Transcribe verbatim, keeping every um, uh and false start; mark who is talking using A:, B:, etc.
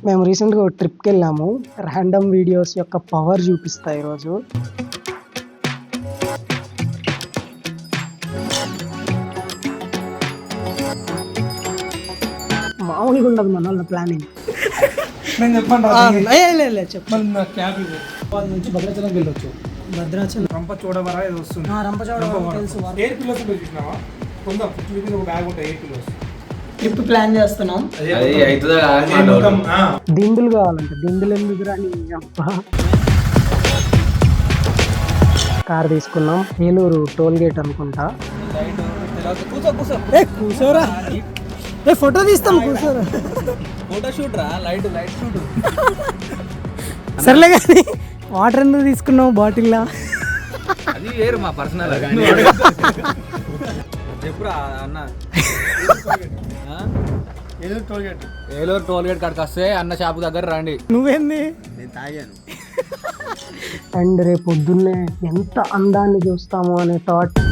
A: మేము రీసెంట్గా ఒక ట్రిప్కి వెళ్ళాము. ర్యాండమ్ వీడియోస్ యొక్క పవర్ చూపిస్తా ఈరోజు. మామూలుగా ఉండదు మన వాళ్ళ ప్లానింగ్.
B: నేను చెప్పండి
A: చెప్పండి.
B: నుంచి భద్రాచలం వెళ్ళొచ్చు.
A: భద్రాచలం
B: రంపచోడవర ఏదో వస్తుంది.
A: రంపచోడవరం తెలుసు.
B: ఎయిర్ పిల్లోస్ ఉంటుంది చూసినావా? కొంత ఫిఫ్టీ ఒక బ్యాగ్ ఉంటాయి ఎయిర్ పిల్లోస్.
A: ట్రిప్ ప్లాన్ చేస్తున్నాం. దిండులు కావాలంటే దిండులు ఎందుకు రాని కార్ తీసుకున్నాం. ఏలూరు టోల్ గేట్ అనుకుంటా. కూర్చోరా, ఫోటో తీస్తాం. కూర్చోరా,
C: ఫోటో షూట్ రా. Light light shoot.
A: సర్లే కానీ వాటర్ ఎందుకు తీసుకున్నావు బాటిల్లా?
C: అది వేరు మా పర్సనల్. చెప్పురా అన్న.
B: Eluru toll gate.
C: Eluru toll gate కాడికి వస్తే అన్న షాపు దగ్గర రండి.
A: నువ్వేంది?
C: నేను తాగాను.
A: అండ్ రేపు పొద్దున్నే ఎంత అందాన్ని చూస్తాము అనే థాట్.